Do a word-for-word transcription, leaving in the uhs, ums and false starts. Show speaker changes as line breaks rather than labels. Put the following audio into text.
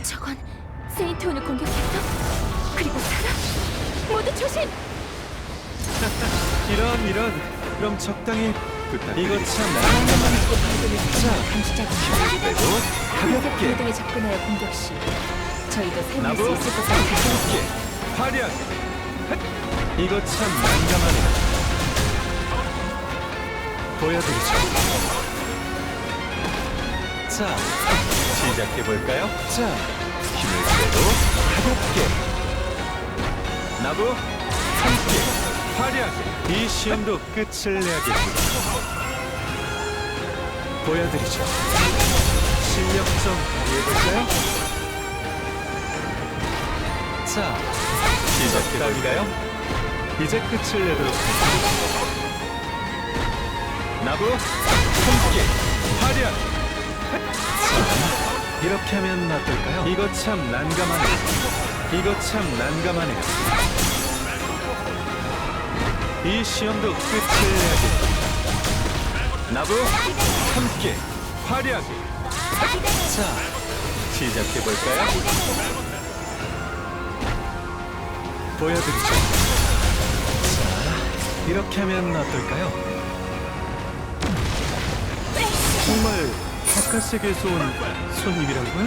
저건 세인트온을 공격했어? 그리고 살아? 모두 조심!
이런 이런. 그럼 적당히 부탁드립니다. 이거 참
안전만 있게 발견을
자,
감시자가
빼고
가볍게
가볍게
공동에 접근하여 공격 시 저희도 사용할
나부
수 있을 것 같아요.
가볍게 화려하게. 헛! 이거 참 난감하네요. 보여드리죠. 자, 시작해볼까요? 자, 힘을 빼고 가볍게 나부 함께 화려하게. 이 시험도 끝을 내야겠습니다. 보여드리죠. 실력 좀 발휘해볼까요? 자, 시작해볼까요? 이제 끝을 내도록 하겠습니다. 나부 함께 화려하게. 자, 이렇게 하면 어떨까요? 이거 참 난감하네요. 이거 참 난감하네요. 이 시험도 끝을 내야겠다. 나부 함께 화려하게. 자, 시작해볼까요? 보여드리죠. 자, 이렇게 하면 어떨까요? 정말 바깥 세계에서 온 손님이라고요?